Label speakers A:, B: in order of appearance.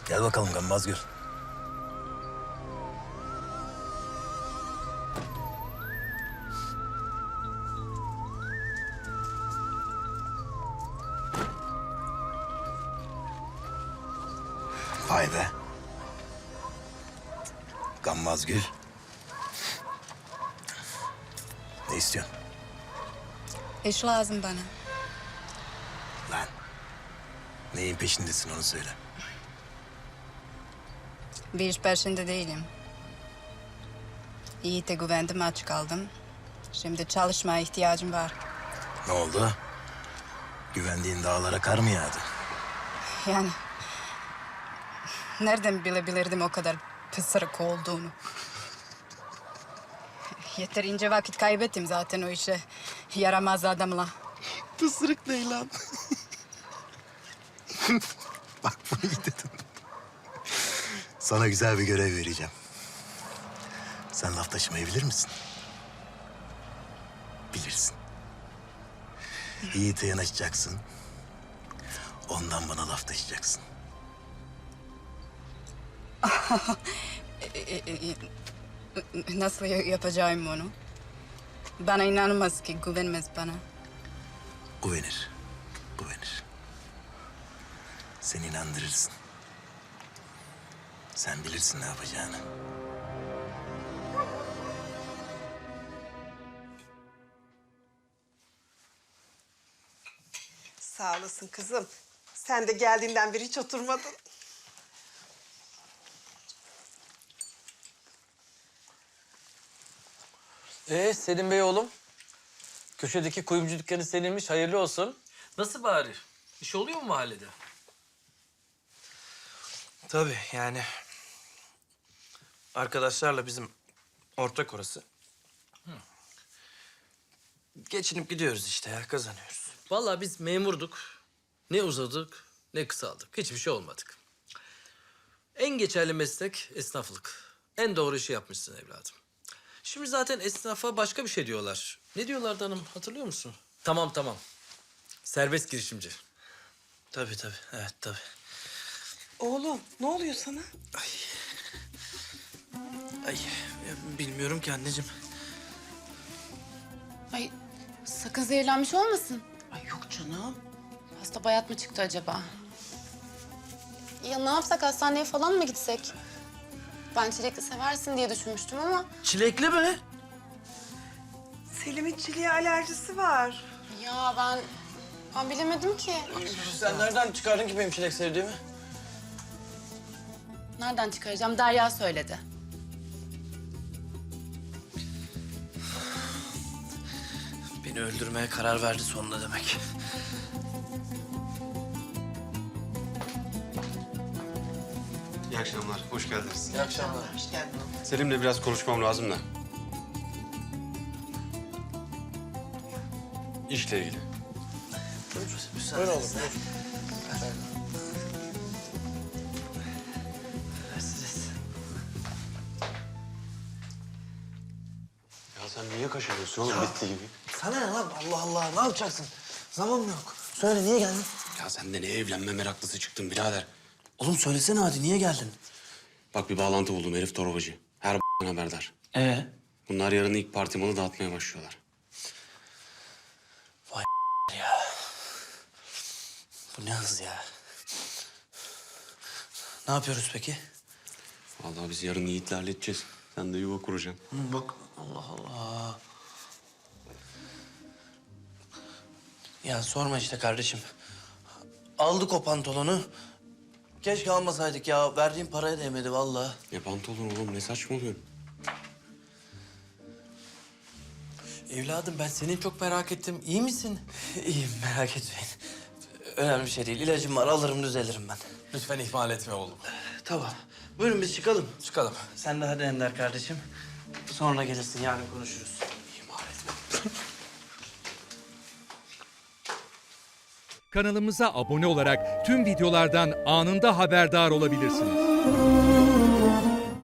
A: Gel bakalım Gammaz Gül. Vay be. Gammaz Gül. Ne istiyorsun?
B: İş lazım bana.
A: Lan. Neyin peşindesin onu söyle.
B: Bir iş peşinde değilim. Yiğit'e güvendim, aç kaldım. Şimdi çalışmaya ihtiyacım var.
A: Ne oldu? Güvendiğin dağlara kar mı yağdı?
B: Yani... Nereden bilebilirdim o kadar pısırık olduğunu? Yeterince vakit kaybettim zaten o işe. Yaramaz adamla.
A: Pısırık ne lan? Bak bunu iyi dedin. Sana güzel bir görev vereceğim. Sen laf taşımayı bilir misin? Bilirsin. Yiğit'e yanaşacaksın. Ondan bana laf taşıyacaksın.
B: Nasıl yapacağım onu? Bana inanmaz ki, güvenmez bana.
A: Güvenir. Güvenir. Sen inandırırsın. Sen bilirsin ne yapacağını.
C: Sağ olasın kızım. Sen de geldiğinden beri hiç oturmadın.
D: Selim Bey oğlum. Köşedeki kuyumcu dükkanı seninmiş, hayırlı olsun. Nasıl bari? İş oluyor mu mahallede?
E: Tabii yani arkadaşlarla bizim ortak orası. Geçinip gidiyoruz işte ya, kazanıyoruz.
D: Vallahi biz memurduk. Ne uzadık, ne kısaldık. Hiçbir şey olmadık. En geçerli meslek esnaflık. En doğru işi yapmışsın evladım. Şimdi zaten esnafa başka bir şey diyorlar. Ne diyorlardı hanım, hatırlıyor musun? Tamam. Serbest girişimci.
E: Tabii, evet tabii.
C: Oğlum ne oluyor sana?
E: Ay ya, bilmiyorum ki anneciğim.
F: Ay sakın zehirlenmiş olmasın.
C: Ay yok canım.
F: Hasta bayat mı çıktı acaba? Ya ne yapsak, hastaneye falan mı gitsek? Ben çilekli seversin diye düşünmüştüm ama...
E: Çilekli mi?
C: Selim'in çileğe alerjisi var.
F: Ya ben bilemedim ki.
E: Sen nereden çıkardın ki benim çilek sevdiğimi?
F: Nereden çıkaracağım? Derya söyledi.
E: Beni öldürmeye karar verdi sonunda demek.
G: İyi akşamlar, hoş geldiniz.
E: İyi akşamlar.
C: Hoş geldin oğlum.
G: Selim'le biraz konuşmam lazım da. İşle ilgili.
E: Buyur oğlum, buyur.
G: Ya sen niye kaşınıyorsun oğlum bitti gibi?
E: Sana ne lan? Allah Allah, ne yapacaksın? Zaman mı yok? Söyle, niye geldin?
G: Ya sen de ne evlenme meraklısı çıktın birader.
E: Oğlum söylesene hadi, niye geldin?
G: Bak bir bağlantı buldum herif torbacı. Her haberdar. Bunlar yarın ilk parti malı dağıtmaya başlıyorlar.
E: Ya. Bu ne hız ya? Ne yapıyoruz peki?
G: Vallahi biz yarın Yiğit'le halledeceğiz. Sen de yuva kuracaksın.
E: Bak, Allah Allah. Ya sorma işte kardeşim. Aldık o pantolonu. Keşke almasaydık ya. Verdiğim paraya değmedi vallahi.
G: Ne pantolon oğlum ne saçmalıyorsun?
D: Evladım ben seni çok merak ettim. İyi misin?
E: İyiyim, merak etmeyin. Önemli bir şey değil. İlacım var, alırım düzelirim ben.
D: Lütfen ihmal etme oğlum.
E: Tamam. Buyurun biz çıkalım.
D: Çıkalım.
E: Sen de hadi Ender kardeşim. Sonra gelirsin, yarın konuşuruz.
H: Kanalımıza abone olarak tüm videolardan anında haberdar olabilirsiniz.